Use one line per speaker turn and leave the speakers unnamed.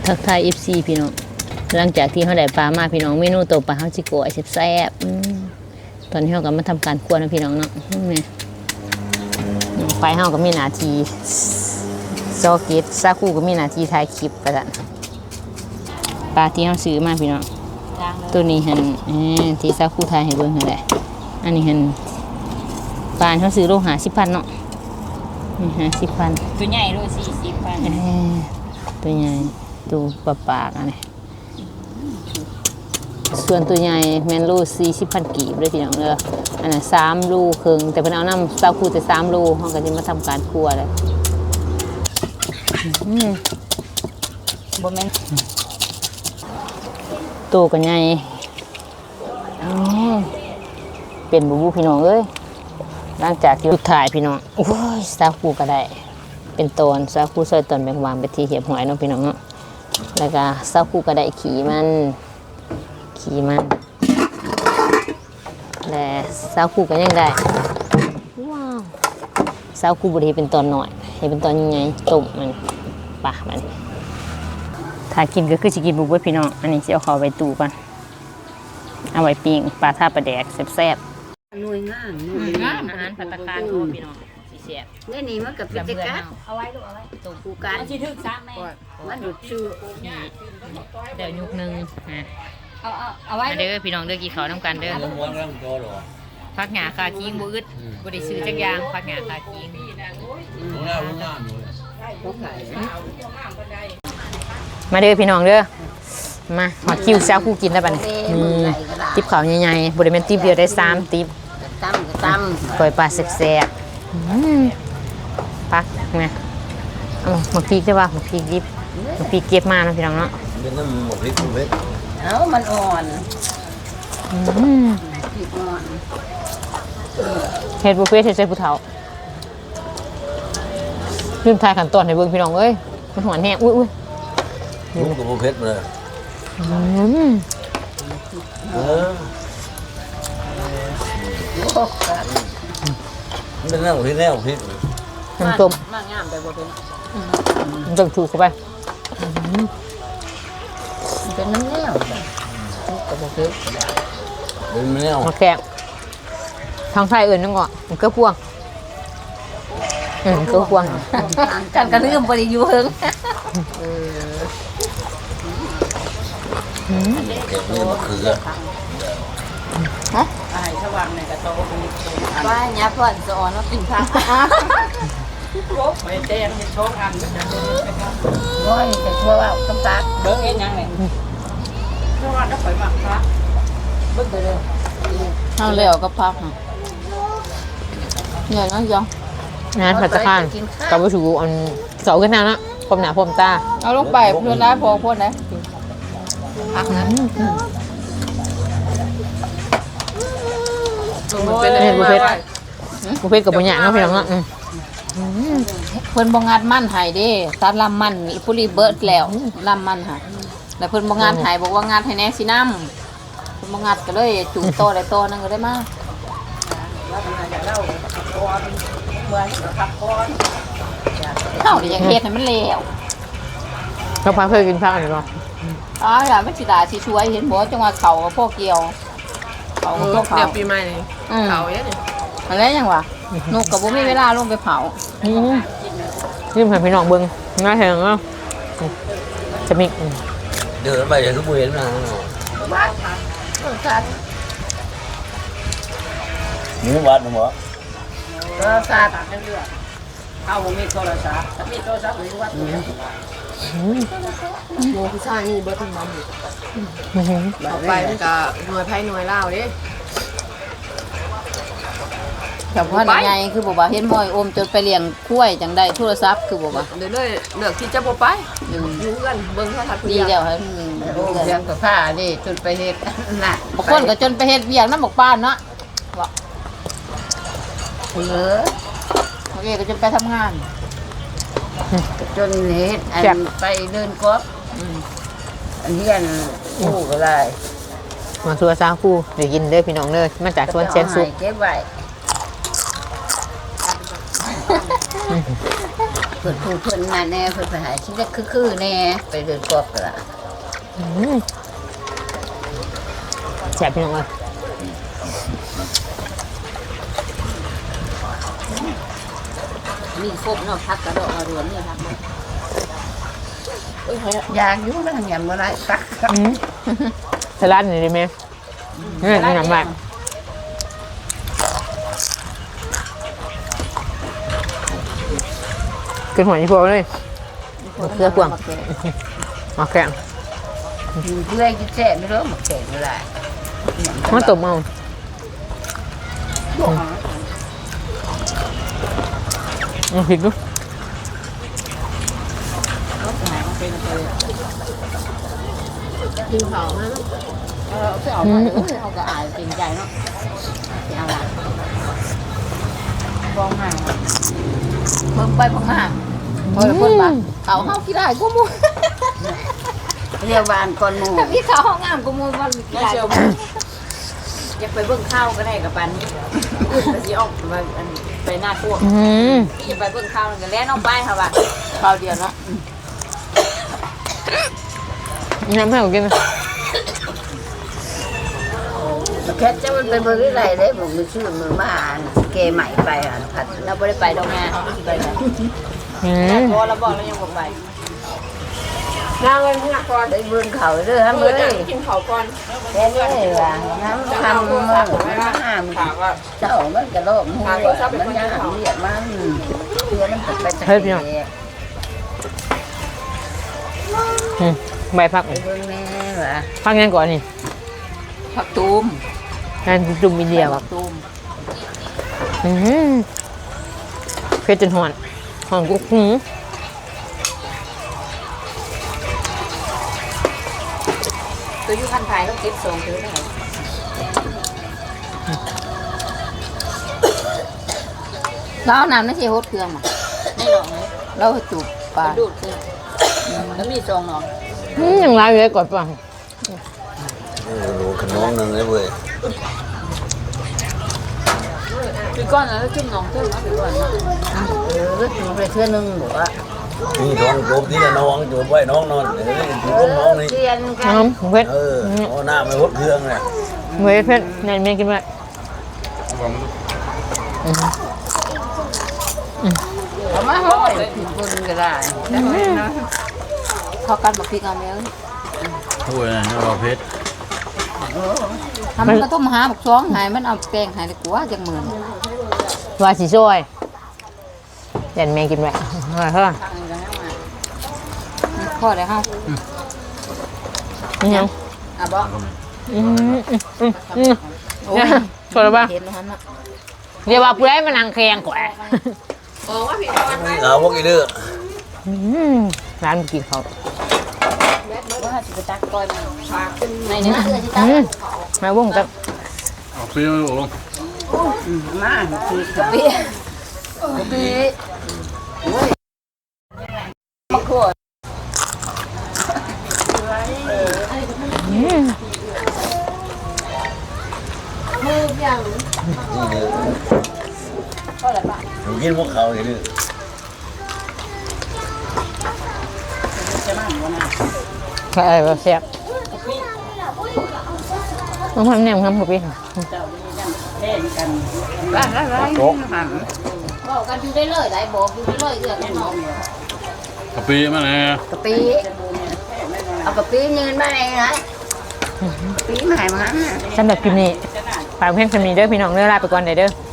ทักทาย FC พี่น้องหลังจากที่เขาได้ปลามาพี่น้องเมนูตัวปลาเขาจิโกะแซ่บตอนนี้เขาก็มาทำการคั่วนะพี่น้องเนาะนี่ไฟเขาก็มีหน้าที่ซอเกตซาคูก็มีหน้าที่ถ่ายคลิปประจันปลาที่เขาซื้อมาพี่น้องตัวนี้เห็นที่ซาคูถ่ายให้เบิ่งเห็นแหละอันนี้เห็นปลาเขาซื้อโล50,000เนาะ50,000
ตัวใหญ่ด้วย40,000
ตัวใหญ่ตัวปากอันนี้ส่วนตัวใหญ่แมนลู40,000 กีบเลยพี่น้องเด้ออันนั้น3 ลูครึ่งแต่เพิ่นเอาน้ำซาคูแต่3 ลูเขาก็จะมาทำการคั่วเลย
บ่แม่น
ตัวก็ใหญ่เป็นบูพี่น้องเอ้ยหลังจากที่ถ่ายพี่น้องโอ้ยซาคูก็ได้เป็นตอนซาคูซอยตอนแบ่งวางไปที่เหียบหอยเนาะพี่น้องเนาะแล้วก็ซาคูก็ได้ขี่มันและซาคูก็ยังได้ว้าวซาคูบริเป็นตอนหน่อยให้เป็นตอนยังไงต้มมันปะมันถ้ากินก็คือจะกินบุบเบิ้ลพี่น้องอันนี้จะเอาเข้าไปตู้ก่อนเอาไว้ปิ้งปลาท่าปลาแดกแซ่บ
หน่วยงาม
อาหารภัตตาคารโทษพี่น้องสีแซ่บ
นี่นี่มันกับเป็นจักร
เอาไว้ลูกเอาไว้
ต้ม
กูการ
มันสิถึกซ้ำแม่
มันดูดชื่อ
เดี๋ยวยุกนึง
เอาไว้
เด้อพี่น้องเด้อกี่เขาน้ำกันเด้อพักหงาคาคิงบุอึดบุได้ซื้อจักยางพักหงาคาคิงมาเด้อพี่น้องเด้อมาหอดคิวแซวคู่กินแล้วป่ะนี่ติ๊บเขาใหญ่ๆบุได้เป็นติ๊บเดียวได้3 ติ๊บ
ตั้ม
ปล่อยปลาแซ่บๆพักนะเอาหมกพริกได้ป่ะหมกพริกดิบหมกพริกเก็บมานะพี่น้องเนาะ
เป็นน้ำหมกพริกเม็ด
เอามันอ่อนพริกอ่อน
เฮ็ดบุฟเฟ่ต์เฮ็ดใส่ผู้เฒ่าลืมทายขั้นตอนให้เบิ่งพี่น้องเอ้ยมันหวานแห้งอุ้ย
ลูกกับโมเพชรเลยมันเป็นน้ำหมกพริกแน่หมกพริก
น้ำต้ม
มากงามแต่บ่เป็น
น้ำต้มถูกเข้าไป
เป็นน้ำแนวกับบ่เป็น
เป็นแนว
มาแกะทางไทยอื่นนั่งก่อนมันก็พวงก็พวง
กันกระลืมบ่ได้อยู่เฮิง
เก็บนี่มะเขือ
ฮะไอ้สว่างในกระโตว่าหยาพ่อนสอนว่ากินผักโอ้ยเต้นโชว์อันโอ้ยแต่ชั่วว่าต้องตัก
เบิ่งเฮ็ดหยังนี่เพราะว่าถ้าข่อยมักพระ
เบิ่งไปเลย
เอาแล้วก็พักเนี่ยน้องยองงานผัดตะคานกับวิชูอันเสาขึ้นหน้านะพรมหนาพรมตา
เอาลงไปเพิ่นได้พอพ่นได้
พักนะ
เห็นบุฟเฟ่กับบุญญาเนาะพี่น้องเนาะ
เพิ่นบ่งัดมันให้เด้ตัดลำมันอีปุรีเบิดแล้วลำมันค่ะแล้วเพิ่นบ่งัดให้บอกว่างัดให้แน่สิน้ำเพิ่นบ่งัดก็เลยจุ่มโตได้โตนึงก็ได้มาเฮาอยากเฮ็ดให้มันแล้ว
เราพาเคยกินผักอันนี้บ่
อ๋อล่ะมันสิตาสิช่วยเห็นบ่จังว่าเขากับพวกเกี่ยวเขากับพวกเขา
เดี๋ยวปีใหม่นี่เขาเยอะนี่
อะไรยังวะนกกับบ่มีเวลาลงไปเผา
นี่ให้พี่น้องเบิ่งง่ายแท้เนาะจะมี
เดินไปอย่างทุกเวรนะหมูบาดหมู
โทรศัพท์เอาบ่มีโทรศัพท์ถ้ามีโทรศัพท์หรือว่าโมผู้ชายนี่เบิดทั้งนั้นบอกไปมันก็หน่วยไผหน่วยลาวเด้
แต่พ่อใหญ่คือบอกว่าเห็นมอยอมจนไปเลี้ยงคุ้ยจังได้โทรศัพท์คือบอกว่า
เดี๋ยวเลยเลือกที่จะบ่ไปอยู่กันเบิ่งโทรทัศน์
ดีแล้วฮะ
เรื่องกับผ้านี่จนไปเฮ็ดน่ะ
บางคนก็จนไปเฮ็ดเวียกนำบอกป้านเนาะว่าโอเคก็จนไปทำงาน
จนเฮ็ดอันไปเดินกบอันเฮียนคู่ก็ได้
มาสัวซาคูเดี๋ยวกินเด้อพี่น้องเด้อมาจากสวนเชียงสุก
เก็บไว้พิ่นผู้เพิ่นน่ะแน่เพิ่นไปหาชิ้นเล็กคือๆแน่ไปเดินกอบกระ
แซ่บพี่น้องเลย
มีครบเนาะพักกระโดดกระเรือนเนี่ยพัก
อยากอยู่มันยังบ่ได้ตัก
สลัดนี่ได้ไหมนี่นี่น้ำมันกินหัวยี่ปัวเลยเกลือกวางมาแกง
เพื่อนกินแซ่บไม่รู้มาแข่งบ่ได้
มาตบเอาพริกดู
กินเผามาเอามาเอาก็อายเกรงใจเนาะเอาละฟองห่างเพิ่มไปฟองห่างเพิ่นมาเขาเฮาขี้ได้กูมู
เรียกบ้านก่อนหมู่
แต่พี่เขาห้องงามกูมูมันขี้ได้อยากไปเบิ่งข้าวก็ได้กับปันอื่นก็สิออกไปหน้าพวกอย่าไปเบิ่งข้าวกันแล้วน้องไปค่ะว่าข้าวเดียวเนาะ
น้ำให้ผมกิน
แค่จะมันไปเบิ่งที่ไรเด้ผมมีชื่อมือมาอ่านเกใหม่ไปอ่านผัด
เราไม่ได้ไปดอกงานไปไหนพอเราบอกเรายังบอกไป
น้ำเงินพนักก่อนได้เบิ่งเขาเด้อฮะมื้อนี้
กินเขาก่อน
แค่นี้ว่าน้ำทำมื้อมาห้ามเจ้ามันก็โลกหัวมันยังเรียกมันเพื่อนมันไปตะเกียบ
ใบพัก
ไปเบิ่งแม่ว่า
พักยังก่อนนี่
ผักตูม
งานจุ่มอินเดีย
ผั
ว่ะ
กตูม
เผ็ดจนหอนหอนกุ๊กหู
ตัวยูคันไทยต้องเก็บทรงถือได้แล้วน้ำนั่นใช่โฮดเครื่องมั้งไม่หรอกเราจูบปลาดูดเครื่องแล้วมีทรงหรอ
ยังร้ายอยู่เลยก่อนป่ะ
รู้ขนมนึงเลยเว้ย
คือก้อนแล้วจุ่มน้องเท่านั้นคือก้อน
ดูไปเทื่อนึงบอกว่า
นี่ท้องโจมที่น้องโจมไว้น้องนอนเดี๋ยวนี้อยู่กับน้องนี่
เรียนกัน
น้ำเผ็ด
เอาหน้าไม่หดเครื่องเลย
เผ็ดเผ็ดแน่นเมียกินไหม
เอามาห้อยผิดบุญก็ได้ได้ไหมนะ
เขากันบอกพี่กันแล้ว
ถ้วยนะเราเพชร
ทำมันก็ต้องหาบอกช้องหายมันเอาแป้งหายเลยกูว่าจังเหมือน
ว่าสีช่วยแน่นเมียกินไหมเฮ้ย
พ่อเลยเฮา
ยัง
อ่ะบอก
โอ้ยชวนบ้าง
เห็นแล้วฮะ
เดี๋ยวว่าผู้ใดมานั่งแข่งกว่า
บอกว่าพี่ก้อน
เอาพวกอีเด้อ
ร้านกินเขา
ว่าจะไปตักก้อยมาฝากขึ้นในนี้นะที่ตัก
มาวงกัน
เอาเปรี้ยวโอ้
มาผิดกับ
ปีปีมะขวด มือยัง
นี่เด้อ
เท่าไหร่ปะ
ผมกินพวกเขาอย่างนี้
ใช่ว่าแซ่บต้องทำแนมครับพี่
บ้านอะไรหัน
บอกกันอยู่ได้เลยได้บอกอยู่ได้เลยเอื้อกันน้อง
กะปิมาแน่
กะปิเอากะปิยืนมาเองนะกะปิมาให้มัน
สำหรับคลิปนี้ฝากเพื่อนคนนี้เด้อพี่น้องเด้อลาไปก่อนเด้อ